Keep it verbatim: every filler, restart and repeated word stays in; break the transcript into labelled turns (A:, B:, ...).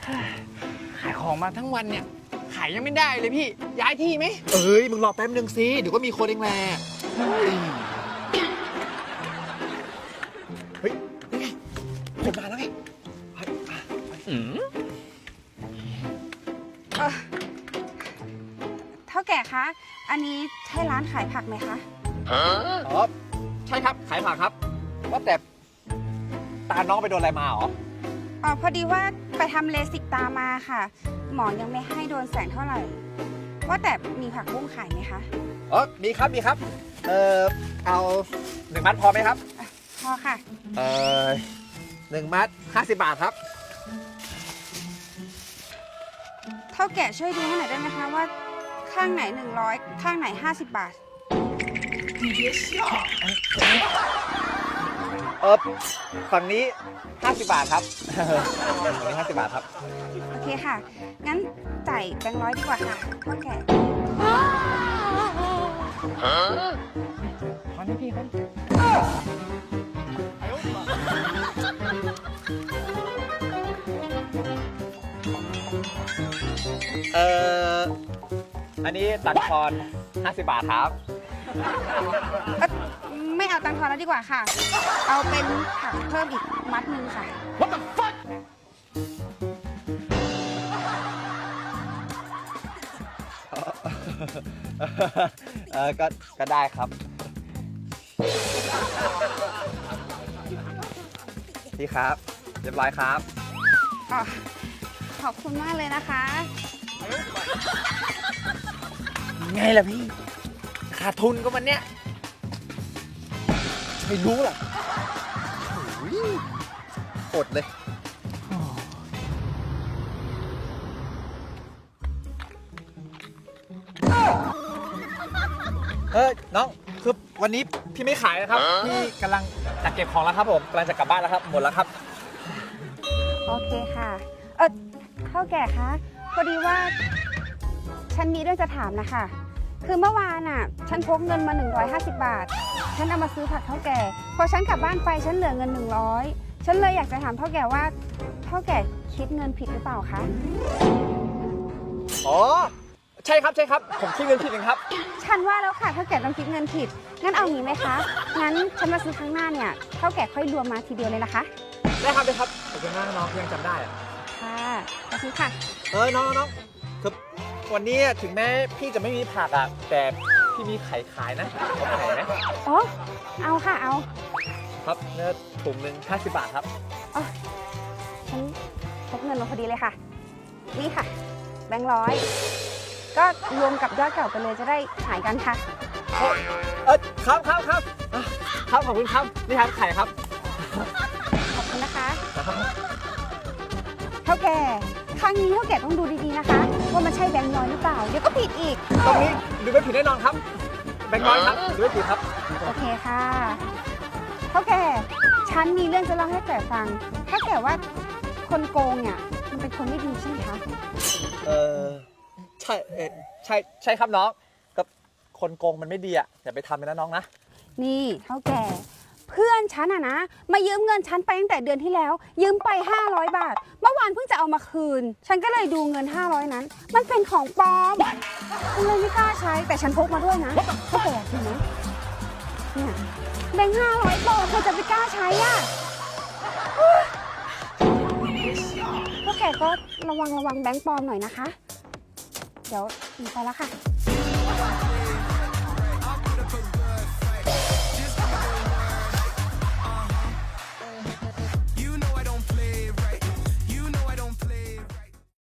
A: ขายของมาทั้งวันเนี่ยขายยังไม่ได้เลยพี่ย้ายที่ไหม
B: เอ้ยมึงรอแป๊บนึงสิเดี๋ยวก็มีคนเองแหละเฮ้ยนี่ไงคนมาแล้วไง
C: อืม
D: เท่าแก่คะอันนี้ใช่ร้านขายผักไหมคะ
B: อ๋อใช่ครับขายผักครับว่าแต่ตาน้องไปโดนอะไรมาหรอ
D: อ๋อพอดีว่าไปทำเลสิกตามาค่ะหมอยังไม่ให้โดนแสงเท่าไหร่ว่าแต่มีผักบุ้งขายไหมคะ
B: อ๋อมีครับมีครับเอ่อเอาหนึ่งมัดพอไหมครับ
D: พอค่ะ
B: เอ่อหนึ่งมัดห้าสิบบาทครับ
D: เท่าแก่ช่วยดูให้หน่อยได้ไหมคะว่าข้างไหนหนึ่งร้อยข้างไหนห้าสิบบาท
B: เออฝั่งนี้ห้าสิบบาทครับฝั่งนี้ห้าสิบบาทครับ
D: โอเคค่ะงั้นจ่ายแบงค์ร้อยดีกว่าค่ะเท่าแก่
A: ขอนี่พี่เขา
B: เอ่ออันนี้ตัดทอนห้าสิบบาทครับ
D: ไม่เอาตังค์ทอนแล้วดีกว่าค่ะเอาเป็นผักเพิ่มอีกมัดหนึ่งค่ะ
A: What the fuck
B: เออก็ก็ได้ครับพี่ครับเรียบร้อยครับ
D: อ๋อขอบคุณมากเลยนะคะ
A: ไงล่ะพี่ขาดทุนก็มันเนี้ย
B: ไม่รู้หรอกอดเลยเออน้องคือวันนี้พี่ไม่ขายนะครับพี่กำลังจัดเก็บของแล้วครับผมกำลังจะกลับบ้านแล้วครับหมดแล้วครับ
D: โอเคค่ะเออเท่าแก่คะพอดีว่าฉันมีเรื่องจะถามนะคะคือเมื่อวานน่ะฉันพกเงินมาหนึ่งร้อยห้าสิบบาทฉันเอามาซื้อผักเท่าแก่พอฉันกลับบ้านไปฉันเหลือเงินหนึ่งร้อยฉันเลยอยากจะถามเท่าแก่ว่าเท่าแก่คิดเงินผิดหรือเปล่าคะ
B: อ๋อใช่ครับใช่ครับผมคิดเงินผิดเองครับ
D: ฉันว่าแล้วค่ะเท่าแก่ต้องคิดเงินผิดงั้นเอางี้ไหมคะงั้นฉันมาซื้อครั้งหน้าเนี่ยเท่าแก่ค่อยรวมมาทีเดียวเลยนะคะ
B: ได้ครับได้ครับขอบคุณมากน้องยังจำได้อะ
D: ค่ะขอบคุณค่ะ
B: เออน้องน้องคือวันนี้ถึงแม้พี่จะไม่มีผักอ่ะแต่พี่มีไข่ขายนะเอาไข่ไหม
D: อ๋อเอาค่ะเอา
B: ครับเนื้อถุงหนึ่งห้าสิบบาทครับ
D: อ๋อฉันพกเงินมาพอดีเลยค่ะนี่ค่ะแบงค์ร้อยก็รวมกับยอดเก่าไปเลยจะได้หายกันค่ะ
B: เออครับครับครับครับขอบคุณครับนี่ครับไข่ครับ
D: ขอบคุณนะคะเท่าแก่ครั้งนี้เท่าแก่ต้องดูดีๆนะคะว่ามันใช่แบงค์ร้อยหรือเปล่าเดี๋ยวก็ผิดอีก
B: ตรงนี้ดูไม่ผิดแน่นอนครับแบงค์ร้อยครับดูไม่ผิดครับ
D: โอเคค่ะเท่าแก่ฉันมีเรื่องจะเล่าให้แก่ฟังถ้าแก่ว่าคนโกงเนี่ยมันเป็นคนไม่ดีใช่ไหมคะ
B: เออใช่เออใช่ใช่ครับน้องกับคนโกงมันไม่ดีอ่ะอย่าไปทำเลยนะน้องนะ
D: นี่เท่าแก่เพื่อนฉันอะนะมายืมเงินฉันไปตั้งแต่เดือนที่แล้วยืมไปห้าร้อยบาทเมื่อวานเพิ่งจะเอามาคืนฉันก็เลยดูเงินห้าร้อยนั้นมันเป็นของปลอมฉันเลยไม่กล้าใช้แต่ฉันพกมาด้วยนะเท่าแก่อยากดูไหมเนี่ยแบงค์ห้าร้อยปลอมเธอจะไปกล้าใช้อะเท่าแก่ก็ระวังระวังแบงค์ปลอมหน่อยนะคะเดี๋ยวหนูไปแล้วค่ะ